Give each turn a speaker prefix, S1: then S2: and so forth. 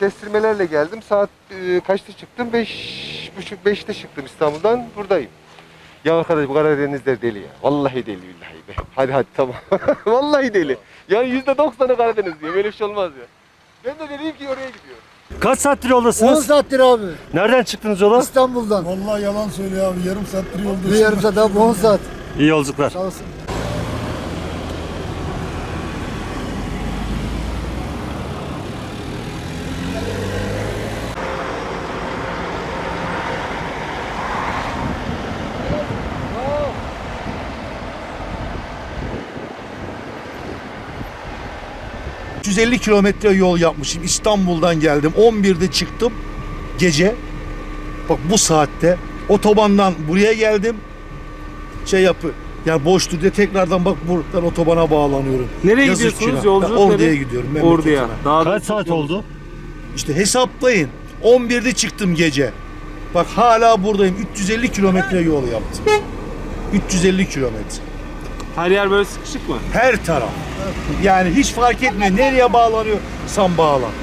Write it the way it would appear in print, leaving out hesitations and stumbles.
S1: kestirmelerle geldim. Saat kaçta çıktım? 5.30-5'te çıktım İstanbul'dan. Buradayım. Ya arkadaş bu Karadenizler deli ya. Vallahi deli billahi be. Hadi tamam. Vallahi deli. Yani %90'ı Karadeniz diyor. Böyle bir şey olmaz ya. Ben de dedim ki oraya gidiyorum.
S2: Kaç saattir
S3: 10
S2: yoldasınız?
S3: saattir abi.
S2: Nereden çıktınız yola?
S3: İstanbul'dan.
S4: Vallahi yalan söylüyor abi. Yarım saattir yolda.
S3: Bir yarım saat abi 10 saat.
S2: İyi yolculuklar.
S3: Sağ olsun.
S4: ...150 kilometre yol yapmışım. İstanbul'dan geldim. 11'de çıktım gece. Bak bu saatte otobandan buraya geldim. Yani boştur diye tekrardan bak buradan otobana bağlanıyorum.
S5: Nereye
S4: Yazık
S5: gidiyorsunuz?
S4: günah.
S5: Yolculuk
S4: Ben Ordu'ya
S5: nereye?
S4: gidiyorum. memleketime.
S5: Ordu'ya. Daha
S2: Kaç saat oldu?
S4: İşte hesaplayın. 11'de çıktım gece. Bak hala buradayım. 350 kilometre yol yaptım. 350 kilometre.
S5: Her yer böyle sıkışık mı?
S4: Her taraf. Yani hiç fark etmiyor. Nereye bağlanıyorsan bağlan.